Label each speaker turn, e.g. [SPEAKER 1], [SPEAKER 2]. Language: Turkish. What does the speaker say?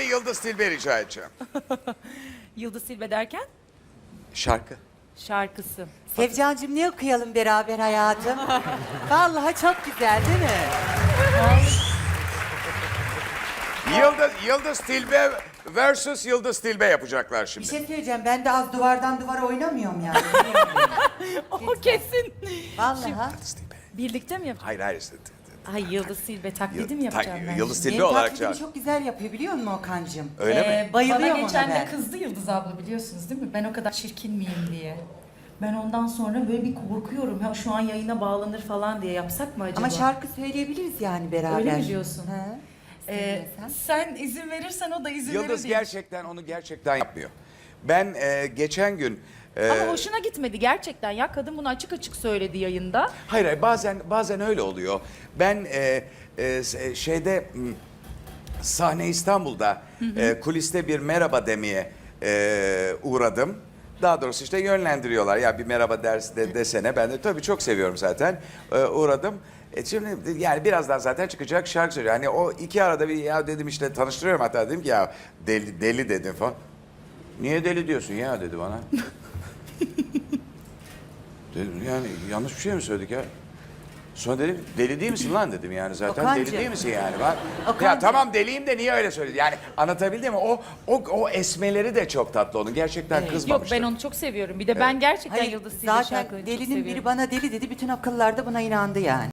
[SPEAKER 1] Yıldız Tilbe rica edeceğim.
[SPEAKER 2] Yıldız Silbe derken
[SPEAKER 1] Şarkı.
[SPEAKER 2] şarkısı.
[SPEAKER 3] Sevcancığım ne okuyalım beraber hayatım? Vallahi çok güzel değil mi?
[SPEAKER 1] Yıldız Tilbe versus Yıldız Tilbe yapacaklar
[SPEAKER 3] Bir
[SPEAKER 1] şimdi.
[SPEAKER 3] şey söyleyeceğim. Ben de az duvardan duvara oynamıyorum yani.
[SPEAKER 2] O kesin.
[SPEAKER 3] Vallahi.
[SPEAKER 1] Yıldız Tilbe.
[SPEAKER 2] Birlikte mi yapacağız?
[SPEAKER 1] Hayır hayır.
[SPEAKER 2] Ay Yıldız Silbe taklidi mi yapacağım ben?
[SPEAKER 1] Yıldız
[SPEAKER 2] şimdi?
[SPEAKER 1] Tilbe
[SPEAKER 3] Benim
[SPEAKER 1] olarak
[SPEAKER 3] taklidimi
[SPEAKER 1] çağır.
[SPEAKER 3] çok güzel yapıyor biliyor musun Okan'cığım?
[SPEAKER 1] Öyle mi?
[SPEAKER 3] Bayılıyorum
[SPEAKER 4] Bana geçen
[SPEAKER 3] ona
[SPEAKER 4] de
[SPEAKER 3] ben.
[SPEAKER 4] kızdı Yıldız abla biliyorsunuz değil mi? Ben o kadar çirkin miyim diye. Ben ondan sonra böyle bir korkuyorum. Ha, şu an yayına bağlanır falan diye yapsak mı acaba?
[SPEAKER 3] Ama şarkı söyleyebiliriz yani beraber.
[SPEAKER 4] Öyle mi diyorsun?
[SPEAKER 3] He.
[SPEAKER 4] Sen izin verirsen o da izin verir
[SPEAKER 1] Yıldız
[SPEAKER 4] diye.
[SPEAKER 1] gerçekten onu gerçekten yapmıyor. Ben geçen gün...
[SPEAKER 2] Ama hoşuna gitmedi gerçekten ya. Kadın bunu açık açık söyledi yayında.
[SPEAKER 1] Hayır, hayır bazen öyle oluyor. Ben şeyde sahne İstanbul'da kuliste bir merhaba demeye uğradım. Daha doğrusu işte yönlendiriyorlar. Ya bir merhaba desene. Ben de tabii çok seviyorum zaten. Uğradım. Şimdi yani birazdan zaten çıkacak şarkı söylüyor. Hani o iki arada bir ya dedim işte tanıştırıyorum hatta dedim ki ya deli dedim falan. Niye deli diyorsun ya dedi bana. Dedim yani yanlış bir şey mi söyledik ya? Sonra dedim deli değil misin lan dedim yani zaten
[SPEAKER 3] Okancığım.
[SPEAKER 1] deli değil misin yani? Ya
[SPEAKER 3] Okancığım.
[SPEAKER 1] tamam deliyim de niye öyle söyledi? Yani anlatabildim mi? O esmeleri de çok tatlı onun. Gerçekten
[SPEAKER 2] Yok
[SPEAKER 1] kızmamıştı.
[SPEAKER 2] ben onu çok seviyorum. Bir de ben gerçekten
[SPEAKER 3] Hayır,
[SPEAKER 2] Yıldız Silbe
[SPEAKER 3] zaten
[SPEAKER 2] şarkılarını çok
[SPEAKER 3] delinin
[SPEAKER 2] seviyorum.
[SPEAKER 3] biri bana deli dedi. Bütün akıllar da buna inandı yani.